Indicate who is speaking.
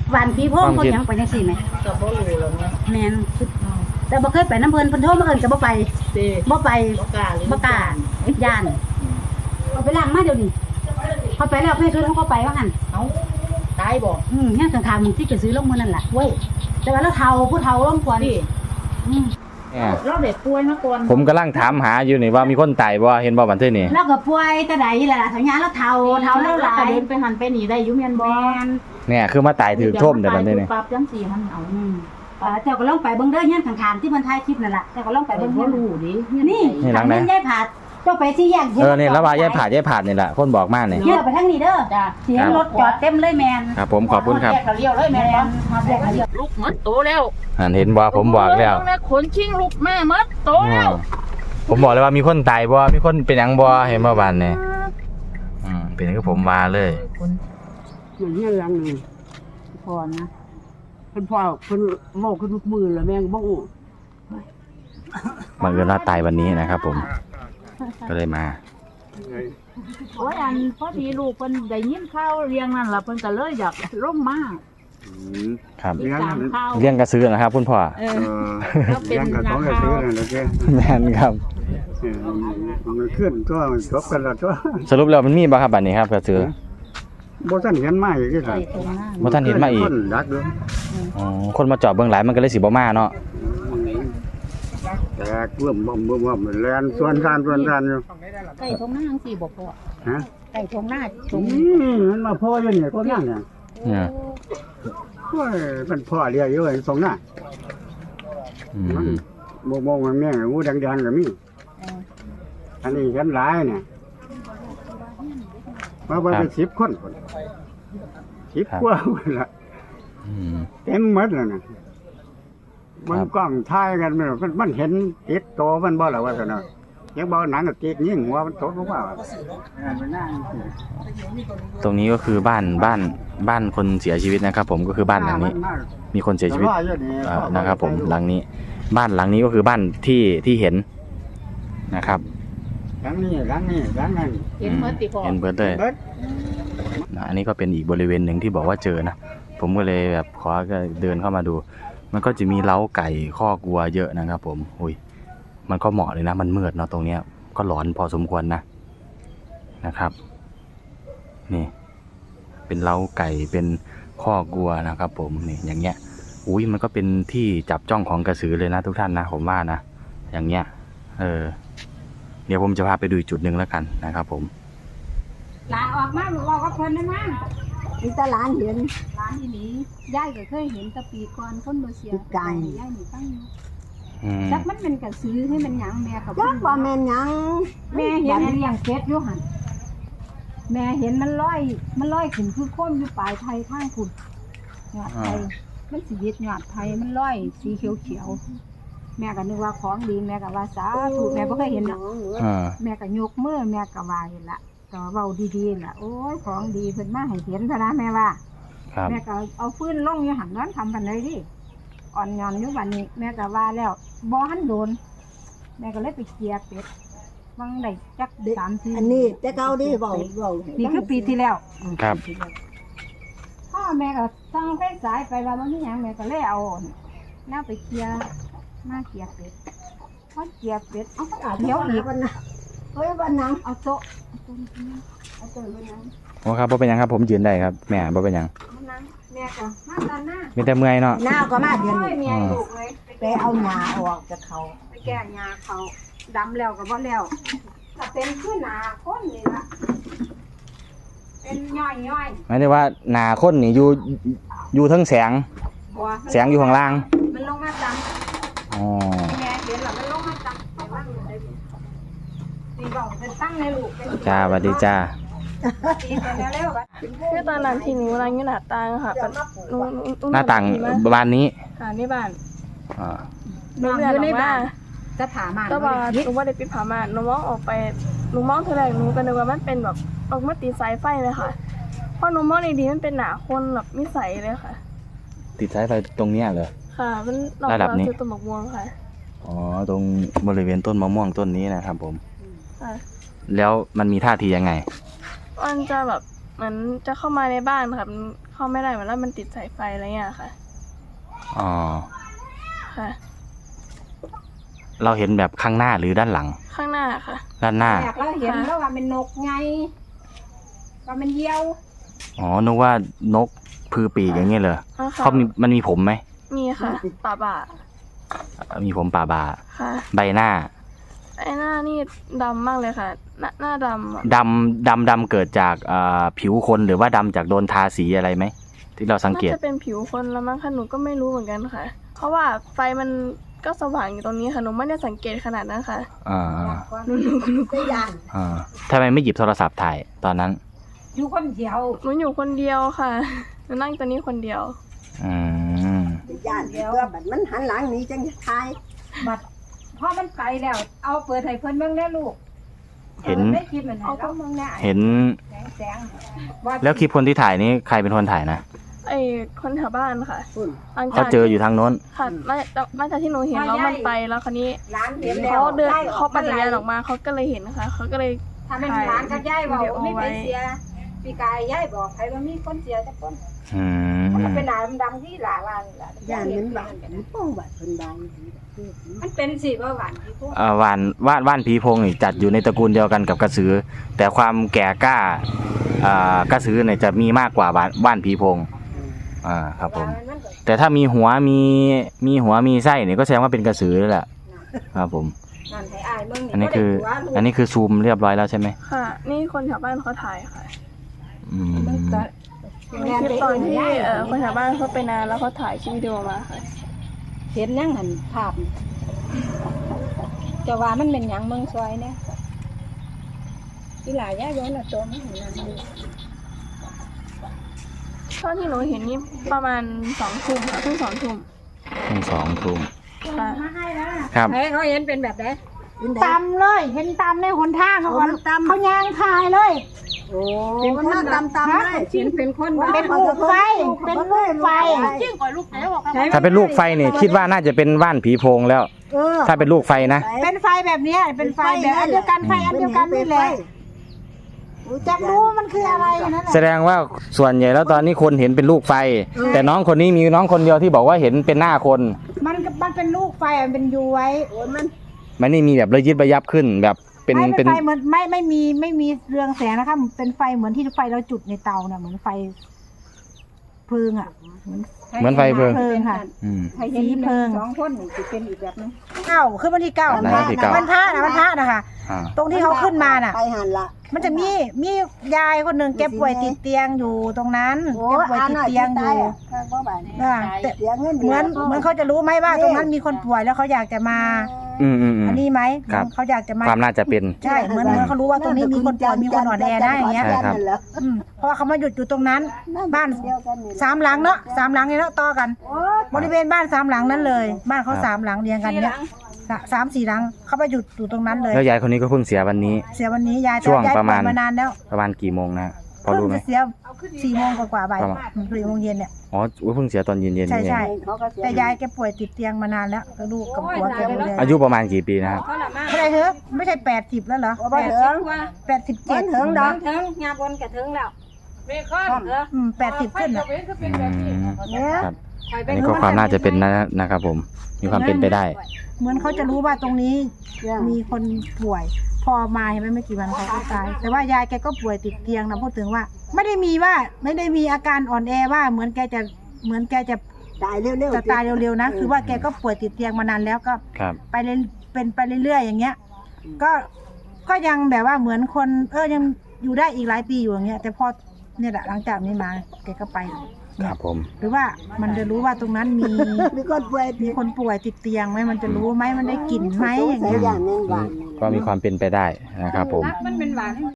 Speaker 1: วันพี่พ่อคนยังไปยังสี่ไหม
Speaker 2: ก็บ่รู้แล้วเนาะ
Speaker 1: แมนแต่บ่เคยไปน้ำเพลินโทษมาเอิญก็บ่ไปบ่ไปบ่กล้าย่านเอาไปล้างมาเดี๋ยวนี้เขาไปแล้วเพื่อนซื้อเขาไปว่างั้น
Speaker 2: เอาตายบ่
Speaker 1: เนี่ยข้างๆมึงที่จะซื้อลงมือนั่นแหละเว้ยแต่ว่าเราเฒ่าผู้เฒ่าร่วมกว่านี่
Speaker 2: เราเด็กป่วยมาก่อน
Speaker 3: ผมกำลังถามหาอยู่นี่ว่ามีคนตายบ่เห็นบ่บันทึกนี่
Speaker 1: เราก็ป่วยแต่ใดแหละสัญญาเราเฒ่าแล้วหลาย
Speaker 2: เดินไปหันไปหนีได้อยู่แม่นบ่
Speaker 3: เนี่ยคือมาตายถือท่มแต่บัดนี้นี่
Speaker 2: ปรับจังซี่หันเอา
Speaker 1: เจ้าก็ลองไปเบิ่งเด้อเฮียนข้างๆที่เพิ่นถ่ายคลิปนั่นล่ะเจ้าก็ลองไปเบิ่งบ่รู้ดินี่หลังนั้นยายผาดเจ้าไปที่แยก
Speaker 3: นี่แล้วว่ายายผาดนี่แหละคนบอกมานี่
Speaker 1: เฮียไปทางนี้เด้อจ้ะเสียงรถจอดเต็มเลยแม่น
Speaker 3: ครับผมขอบคุณครับ
Speaker 1: แยกเลี้ยวเลยแม่นแยกเลี้ยว
Speaker 2: ลูกหมดโตแล้ว
Speaker 3: เห็นบ่ผมบอกแล้ว
Speaker 2: ขนชิงลูกแม่หมดโตแล้ว
Speaker 3: ผมบอกเลยว่ามีคนตายบ่มีคนเป็นหยังบ่เห็นบ่บัดนี้เป็นคือผมว่าเลย
Speaker 4: เหมือนเงี้ยอย่างนึงพอนะเพิ่นพ่อเพิ่นโง่ขึ้นทุกมือแล้วแม่งบ่อู้
Speaker 3: บังเอิญว่าตายวันนี้นะครับผมก็เลยมา
Speaker 2: โอ้ยอันพอดีลูกเพิ่นได้ยินข่าวเรียงนั่นล่ะเพิ่นก็เลยอยากลงมา
Speaker 3: ครับเลี้ยงกระซื้อนะครับคุณพ่อ
Speaker 4: เลี้ยงกระต้องกระซื้อนั่นแหละแก
Speaker 3: แม่นครับ
Speaker 4: มันขึ้นตัวมันจบกันแล้วตัว
Speaker 3: สรุปแล้วมันมีบ่ครับบัดนี้ครับกระซื้อ
Speaker 4: บ่ทันเห็นมาอีกครับ
Speaker 3: บ่ทันเห็นมาอีกคนมาจอดเบื้องหลังมันก็เลยสิบ่มาเนาะ
Speaker 4: แต่เบิ่มแล่นส่วนทานอยู่
Speaker 2: ใกล้ทงหน้าจังซี่บ่พ่อ
Speaker 4: ฮะ
Speaker 2: ใกล้ทงหน้า
Speaker 4: มันมาพ่ออยู่นี่ก็นั่นเนี่ยโอ้ยมันพ่อเรียกอยู่ไอ้ทงหน้ามองมันแม่งงูดังๆก็มีอันนี้กันหลายเนี่ยมาเป็น10 คน10 กว่าละเต็มหมดแล้วนะมันกล้องถ่ายกันมันเห็นติดโตมันบ่ล่ะว่าซั่นน่ะยังบ่หนังก็ติดยิงหัวมันตกลงมา
Speaker 3: ตรงนี้ก็คือบ้านคนเสียชีวิตนะครับผมก็คือบ้านหลังนี้มีคนเสียชีวิตนะครับผมหลังนี้บ้านหลังนี้ก็คือบ้านที่เห็นนะครับ
Speaker 4: หลังนี้นั่น
Speaker 2: เห็นเบิดติพ่อ
Speaker 3: เห็นเบิดเลยอันนี้ก็เป็นอีกบริเวณหนึ่งที่บอกว่าเจอนะผมก็เลยแบบขอก็เดินเข้ามาดูมันก็จะมีเล้าไก่คอกวัวเยอะนะครับผมมันก็เหมาะเลยนะมันมืดเนาะตรงเนี้ยก็หลอนพอสมควรนะครับนี่เป็นเล้าไก่เป็นคอกวัวนะครับผมนี่อย่างเงี้ยมันก็เป็นที่จับจ้องของกระสือเลยนะทุกท่านนะผมว่านะอย่างเงี้ยเดี๋ยวผมจะพาไปดูจุดหนึ่งแล้วกันนะครับผม
Speaker 1: หลานออกมาบอกกับเพิ่นได้มั้งมีแต่หลานเห็นหลานที่นี้ยายก็เคยเห็นแต่ปีก่อนคนบ่เสียไก่ยายนี่ตั้งจักมันเป็นกระสือให้มันหยังแม่ก็
Speaker 5: จักว่าแม่นหยัง
Speaker 1: แม่เห็นเลี้ยงเป็ดอยู่หั่นแม่เห็นมันลอยขึ้นคือโคนอยู่ปลายไทยข้างคุณยอดไทยมันสิวิตยอดไทยมันลอยสีเขียวแม่ก็นึกว่าของดีแม่ก็ว่าสาธุแม่บ่เคยเห็นหรอกแม่ก็ยกมือแม่ก็ว่าเห็นละก็เว้าดีๆล่ะโอ้ยของดีเพิ่นมาให้เห็นซะนะแม่ว่าแม่ก็เอาฟืนลงอยู่หั่นนั้นทำกันเลยดิอ่อนย้อนอยู่บัดนี้แม่ก็ว่าแล้วบ่ทันโดนแม่ก็เลยไปเคลียร์เป็ดบางได้จัก3-4
Speaker 5: อันนี้แต่เก่าดิเว้า
Speaker 1: นี่คือปีที่แล้ว
Speaker 3: ครับ
Speaker 1: พ่อแม่ก็สั่งไฟสายไปว่าบ่มีหยังแม่ก็เลยเอาแนวไปเคลียร์มาเคลียร์เป็ดพอเคลียร์เป็ดเอาเดี๋ยวอีกวันน่ะเฮ้ยวันนั้นเอาโต๊ะ
Speaker 3: ครับบ่เป็นหยังครับผมยืนได้ครับแม่บ่เป็นหยัง
Speaker 1: แม่ก็มาตอนหน้า
Speaker 3: มีแต่เมื่อยเนาะ
Speaker 5: หน้าก็มาเดือน
Speaker 1: นี้ลูกเลย
Speaker 5: ไปเอาหญ้าออกจากเขา
Speaker 1: ไปแก้หญ้าเขาดำแล้วก็บ่แล้วถ้าเป็นคือหน้าคนนี่ล่ะเป็นย่อย
Speaker 3: หมายถึงว่าหน้าคนนี่อยู่ทั้งแสงอยู่ข้างล่าง
Speaker 1: มันลงมาจังแม่เห็นแล้วมันลงมาจัง
Speaker 3: จ้าสวัสดีจ้า
Speaker 6: คือตอนนั้นที่หนูนั่งอยู่หน้าต่างค่ะ
Speaker 3: หน้าต่างบ้านนี้
Speaker 6: ค่ะในบ้าน
Speaker 1: หนูอยู่ในบ้านจะถาม
Speaker 6: ก็ว่าหนูว่าได้ปิดผ้าม่านหนูมองออกไปหนูมองเท่าไหร่หนูก็นึกว่ามันเป็นแบบออกมาติดสายไฟเลยค่ะพอหนูมองดีๆมันเป็นหนาคนแบบมิสัยเลยค่ะ
Speaker 3: ติดสายไฟตรงเนี้ยเหรอ
Speaker 6: ค่ะมันระดับนี้ต้นมะม่วงค่ะ
Speaker 3: ตรงบริเวณต้นมะม่วงต้นนี้นะครับผมแล้วมันมีท่าทียังไง
Speaker 6: มันจะแบบเหมือนจะเข้ามาในบ้านค่ะเข้าไม่ได้เหมือนว่ามันติดสายไฟอะไรเงี้ยค่ะ
Speaker 3: อ๋อ
Speaker 6: ค่ะ
Speaker 3: เราเห็นแบบข้างหน้าหรือด้านหลัง
Speaker 6: ข้างหน้าค่ะ
Speaker 3: ด้านหน้า
Speaker 1: แรกเราเห็นแล้วว่าเป็นนกไงว่ามันเหยี่ยว
Speaker 3: อ๋อนึกว่านกพือปีกอย่างเงี้ยเลย
Speaker 6: อ๋อค่ะ
Speaker 3: มันมีผมไหม
Speaker 6: มีค่ะป่าบ่า
Speaker 3: มีผมป่าบา
Speaker 6: ค่ะ
Speaker 3: ใบหน้า
Speaker 6: ไอ้หน้านี่ดำมากเลยค่ะ หน้าดำอะ
Speaker 3: ดำเกิดจากผิวคนหรือว่าดำจากโดนทาสีอะไรไหมที่เราสังเกต
Speaker 6: น่าจะเป็นผิวคนละมั้งค่ะหนูก็ไม่รู้เหมือนกันค่ะ เพราะว่าไฟมันก็สว่างอยู่ตรงนี้ค่ะหนูไม่ได้สังเกตขนาดนั้นค่ะ
Speaker 3: อ่า
Speaker 6: หนู
Speaker 5: ตัวอย่าง
Speaker 3: อ่าทำไมไม่หยิบโทรศัพท์ถ่ายตอนนั้น
Speaker 1: อยู่คนเดียว
Speaker 6: อยู่คนเดียวค่ะหนูนั่งตัวนี้คนเดียว
Speaker 3: อืม
Speaker 5: ตัวอย่างตัวบัดมันหันหลังหนี้จังจะทาย
Speaker 1: บัดพอมันไปแล้ว เอาเปิดให้เพิ่นเบิ่งได้ลูก
Speaker 3: เห็น
Speaker 1: ได้คลิปมันให้เราเบิ่งได้
Speaker 3: เห็น
Speaker 1: แสงๆ
Speaker 3: แล้วคลิปคนที่ถ่ายนี้ใครเป็นคนถ่ายนะ
Speaker 6: ไอ้คนแถวบ้านค่ะ
Speaker 5: คุณ
Speaker 6: หลังจ
Speaker 3: เขา
Speaker 6: ก
Speaker 3: เจออยู่ทางโน้น
Speaker 6: ค่ะมาจากที่หนูเห็นแล้วมันไปแล้วคราวนี้
Speaker 1: ร้านเห็นแล้ว
Speaker 6: เขาเดิน
Speaker 1: ได้
Speaker 6: เขาปั่นจักรยานออกมาเขาก็เลยเห็นนะคะเขาก็เลย
Speaker 1: ถ้าเป็นร้านกับยายบอก
Speaker 6: วิดีโอ
Speaker 1: ไม่
Speaker 6: ไว้
Speaker 1: ไปเสียปีกายยายบอกใครว่ามีคนเสียจักคน
Speaker 3: อืม
Speaker 1: มันเป็นหลานดำที่หลาวันล่ะ
Speaker 5: ย่านมันบาดมันป้องบาดเพิ่นบาด
Speaker 1: มันเป็นสิว่าหวานที่พวก
Speaker 3: ว่านผีโพงนี่จัดอยู่ในตระกูลเดียวกันกับกระสือ แต่ความแก่กล้ากระสือเนี่ยจะมีมากกว่าว่านผีโพงครับผม
Speaker 1: มันก็
Speaker 3: แต่ถ้ามีหัวมีไส้เนี่ยก็แสดงว่าเป็นกระสือแล้วแหละครับผม
Speaker 1: นั่นให้อายเบิ่ง
Speaker 3: อันนี้คือซูมเรียบร้อยแล้วใช่ไหม
Speaker 6: ค่ะ นี่คนแถวบ้านเขาถ่ายค่ะ
Speaker 3: อืม
Speaker 6: มีคลิปตอนที่คนแถวบ้านเขาไปนานแล้วเขาถ่ายคลิปวิดีโอมาค่ะ
Speaker 1: เห็นยังหันภาพจะว่ามันเป็นหยังเมืองซอยเนี่ยที่หลายย่าย้อนน่ะโตมันเห็นนั่นอยู่
Speaker 6: ตอนที่หนูเห็นนี่ประมาณ2 ทุ่มค่ะเพิ่ง2 ทุ่ม
Speaker 3: ทั้งสองทุ่ม
Speaker 6: ค่ะ
Speaker 3: ครับ
Speaker 1: ให้เขาเห็นเป็นแบบไหน
Speaker 5: ตำเลยเห็นตำในหนทางเขาเขายางคายเลยโอ้มันน่าตำเลย
Speaker 1: เห็นเป็นคนบ้า
Speaker 5: เป็นลูกไฟเป็นลูกไฟ
Speaker 3: ถ้าเป็นลูกไฟเนี่ยคิดว่าน่าจะเป็นว่านผีโพงแล้ว ถ้าเป็นลูกไฟนะ
Speaker 5: เป็นไฟแบบนี้เป็นไฟแบบอันเดียวกันไฟอันเดียวกันนี่แหละจักรู้มันคืออะไรนั่นแหละ
Speaker 3: แสดงว่าส่วนใหญ่แล้วตอนนี้คนเห็นเป็นลูกไฟ แต่น้องคนนี้มีน้องคนเดียวที่บอกว่าเห็นเป็นหน้าคน
Speaker 5: มันเป็นลูกไฟมันเป็นยูไว้มัน
Speaker 3: มันนี่มีแบบระยิบระยับขึ้นแบบเป็น
Speaker 5: ไฟเหมือนไม่มีเรืองแสงนะคะเป็นไฟเหมือนที่ไฟเราจุดในเตาเนี่ยเหมือนไฟเพลิงอ่ะ
Speaker 3: เหมือนไฟเพลิง
Speaker 5: ค่ะ
Speaker 3: อืม
Speaker 1: ให้เห็น1 2คนนี่สิเป็นอีกแบบนึง
Speaker 5: คือวันที่9
Speaker 3: วันที่เก้า
Speaker 5: วันพระนะคะ
Speaker 3: อ่า
Speaker 5: ตรงที่เขาขึ้นมาน่ะ
Speaker 7: ไปหันละ
Speaker 5: มันจะมียายคนหนึ่งแกป่วยติดเตียงอยู่ตรงนั้นแกป่วยติดเตียงอยู่แต่
Speaker 7: เสียเงิน
Speaker 5: เหมือนเขาจะรู้ไหมว่าตรงนั้นมีคนป่วยแล้วเขาอยากจะมา อันนี้ไหม
Speaker 3: ครับ
Speaker 5: เขาอยากจะมา
Speaker 3: ความน่าจะเป็น
Speaker 5: ใช่เหมือนเขารู้ว่าตรงนี้มีคนป่วยมีคนอ่อนแอได้อย่างเงี้ย
Speaker 3: ใช่ครับ
Speaker 5: เพราะว่าเขามาหยุดอยู่ตรงนั้น บ้าน3 หลังเนาะ3 หลังเนี่ยเนาะต่อกัน บริเวณบ้าน3 หลังนั้นเลย บ้านเขา3 หลังเรียงกันเนี้ย3-4 หลังเขาไปหยุดอยู่ตรงนั้นเลย
Speaker 3: แล้วยายคนนี้ก็เพิ่งเสียวันนี้
Speaker 5: เสียวันนี้ยาย
Speaker 3: ช่วง
Speaker 5: ยาย
Speaker 3: ประมาณ
Speaker 5: ป่วยมานานแล้ว
Speaker 3: ประมาณกี่โมงนะพอ
Speaker 5: เพิ่ง
Speaker 3: รู้ไหม
Speaker 5: จะเสีย4 โมงกว่าๆบ่าย
Speaker 3: ประมาณ
Speaker 5: 4 โมงเย็นเนี่ย
Speaker 3: อ๋ออุ๊ยเพิ่งเสียตอนเย็นๆนี่
Speaker 5: ใช่
Speaker 3: เอง
Speaker 5: ใช่แต่ยายแกป่วยติดเตียงมานานแล้วก็ลูกกับผัวแกดูแล
Speaker 3: อายุประมาณกี่ปีนะครับ
Speaker 1: เขาละมา
Speaker 5: เท่าไหร่เถอะไม่ใช่80แล้วเหรอ
Speaker 7: บ่เถิง
Speaker 1: ว่า
Speaker 5: 87
Speaker 7: เถิงดอก
Speaker 1: ถึงงาบนกระถึงแล้ว
Speaker 5: 80ขึ้นอ่ะ
Speaker 3: ครับอันนี้ก็ความน่าจะเป็นนะครับผมมีความเป็นไปได้
Speaker 5: เหมือนเขาจะรู้ว่าตรงนี้มีคนป่วย พอมาเห็นไหมไม่กี่วันเขาก็ตาย แต่ว่ายายแกก็ป่วยติดเตียงนะพูดถึงว่า ไม่ได้มีอาการอ่อนแอว่าเหมือนแกจะ
Speaker 7: ตายเร็วๆ
Speaker 5: จะตายเร็วๆนะคือว่าแกก็ป่วยติดเตียงมานานแล้วก็
Speaker 3: ครับ
Speaker 5: ไปเรื่อยเป็นไปเรื่อยๆอย่างเงี้ย ก็ยังแบบว่าเหมือนคนยังอยู่ได้อีกหลายปีอยู่อย่างเงี้ย แต่พอเนี่ยแหละหลังจากนี้มาแกก็ไป
Speaker 3: ครับผม
Speaker 5: หรือว่ามันจะรู้ว่าตรงนั้นมี
Speaker 7: มีคนป่วย
Speaker 5: มีคนป่วยติดเตียงไหมมันจะรู้ไหมมันได้กลิ่นไหมอย่าง
Speaker 7: ใส่
Speaker 5: เงี้ย
Speaker 7: อย่างนึงหวาน
Speaker 3: ก็มีความเป็นไปได้นะครับผม
Speaker 1: มันเป็นหวาน